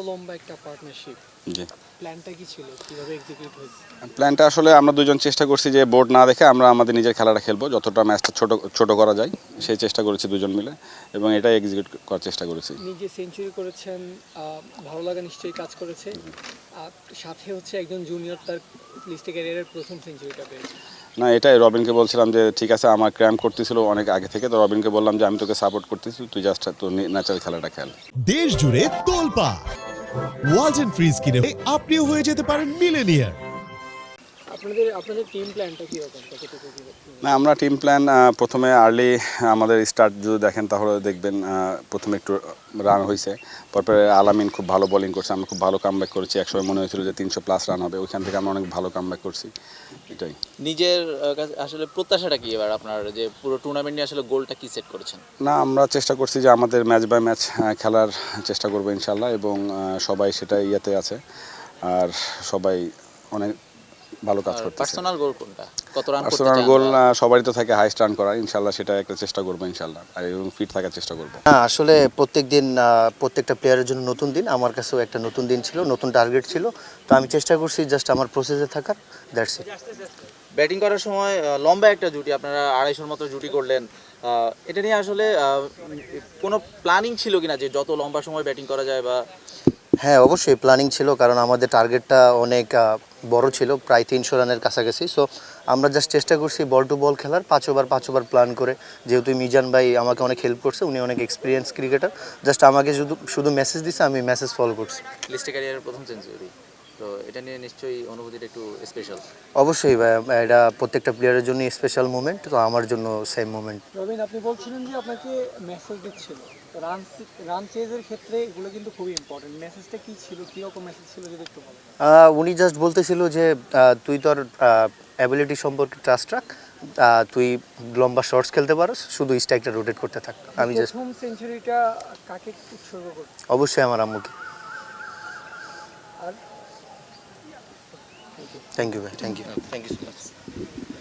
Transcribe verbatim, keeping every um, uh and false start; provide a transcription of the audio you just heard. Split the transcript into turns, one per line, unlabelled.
লম্বা একটা পার্টনারশিপ,
জি
প্ল্যানটা কি ছিল, কিভাবে এক্সিকিউট হয়েছে?
প্ল্যানটা আসলে আমরা দুজন চেষ্টা করছি যে বোর্ড না দেখে আমরা আমাদের নিজের খেলাটা খেলবো, যতটা ম্যাচটা ছোট ছোট করা যায় সেই চেষ্টা করেছি দুজন মিলে, এবং এটা এক্সিকিউট করার চেষ্টা করেছি।
নিজে সেঞ্চুরি করেছেন, আহ, ভালো লাগা নিশ্চয়ই কাজ করেছে। আর সাথে হচ্ছে একজন জুনিয়র তার লিস্টে ক্যারিয়ারের প্রথম সেঞ্চুরিটা পেয়েছে।
না, এটাই রবিনকে বলছিলাম যে ঠিক আছে, আমার ক্র্যাম্প করতেছিল অনেক আগে থেকে, তো রবিনকে বললাম যে আমি তোকে সাপোর্ট করতেছি, তুই জাস্ট তোর ন্যাচারাল খেলাটা খেল।
দেশ জুড়ে তোলপা ওয়ালটন ফ্রিজ কিনে আপনিও হয়ে যেতে পারেন মিলেনিয়ার।
আপনাদের আপনাদের টিম প্ল্যানটা কীরকম, কতটুকু কী?
না, আমরা টিম প্ল্যান প্রথমে আর্লি আমাদের স্টার্ট যদি দেখেন তাহলে দেখবেন আহ, প্রথমে একটু রান হয়েছে, তারপরে আলামিন খুব ভালো বোলিং করছে, আমরা খুব ভালো কামব্যাক করেছি, একসময় মনে হয়েছিল যে তিনশো প্লাস রান হবে, ওইখান থেকে আমরা অনেক ভালো কামব্যাক করছি। এটাই
নিজের আহ, কাছে আসলে প্রত্যাশাটা কি এবার আপনার, যে পুরো টুর্নামেন্ট নিয়ে আসলে গোলটা কি সেট করেছেন?
না, আমরা চেষ্টা করছি যে আমাদের ম্যাচ বাই ম্যাচ খেলার চেষ্টা করবো ইনশাল্লাহ, এবং আহ, সবাই সেটা ইয়েতে আছে, আর সবাই অনেক ভালো কাজ করতেছে।
পার্সোনাল গোল কোনটা, কত রান করতে
পার্সোনাল
চান?
গোল সবারই তো থাকে হাইস্ট রান করা, ইনশাল্লাহ সেটা একটা চেষ্টা করবো ইনশাল্লাহ, আর এবং ফিট থাকার চেষ্টা করবো।
হ্যাঁ, আসলে প্রত্যেক দিন প্রত্যেকটা প্লেয়ারের জন্য নতুন দিন, আমার কাছেও একটা নতুন দিন ছিল, নতুন টার্গেট ছিল, তো আমি চেষ্টা করছি জাস্ট আমার প্রসেসে থাকার, দ্যাটস ইট।
ব্যাটিং করার সময় আহ, লম্বা একটা জুটি, আপনারা আড়াইশোর মতো জুটি করলেন, আহ, এটা নিয়ে আসলে আহ, কোনো প্ল্যানিং ছিল কিনা যে যত লম্বা সময় ব্যাটিং করা যায় বা?
হ্যাঁ, অবশ্যই প্ল্যানিং ছিল, কারণ আমাদের টার্গেটটা অনেক আহ, বড় ছিল, প্রায় তিনশো রানের কাছাকাছি। সো আমরা জাস্ট চেষ্টা করছি বল টু বল খেলার, পাঁচ ওভার পাঁচ ওভার প্ল্যান করে, যেহেতু মিজান ভাই আমাকে অনেক হেল্প করছে, উনি অনেক এক্সপিরিয়েন্স ক্রিকেটার, জাস্ট আমাকে শুধু শুধু মেসেজ দিছে, আমি মেসেজ ফলো করছি।
লিস্টে ক্যারিয়ারের প্রথম সেঞ্চুরি, তো এটা নিয়ে নিশ্চয়ই অনুভূতিটা একটু স্পেশাল।
অবশ্যই ভাই, এটা প্রত্যেকটা প্লেয়ারের জন্য স্পেশাল মুমেন্ট, তো আমার জন্য সেম মুমেন্ট।
রবিন, আপনি বলছিলেন যে আপনাকে মেসেজ দিচ্ছিল, রান রান চেজের ক্ষেত্রে এগুলো কিন্তু খুবই ইম্পর্টেন্ট। মেসেজটা কি ছিল, কীরকম মেসেজ ছিল যদি একটু বলেন?
আহ, উনি জাস্ট বলতেছিল যে আহ, তুই তোর অ্যাবিলিটি সম্পর্কে ট্রাস্ট রাখ, আহ, তুই লম্বা শর্টস খেলতে পারস, শুধু স্ট্রাইকটা রোটেট করতে থাক। আমি জাস্ট
প্রথম সেঞ্চুরিটা কাকে উৎসর্গ করছি?
অবশ্যই আমার আম্মুকে।
আর
থ্যাংক ইউ ভাই, thank you, thank you so much.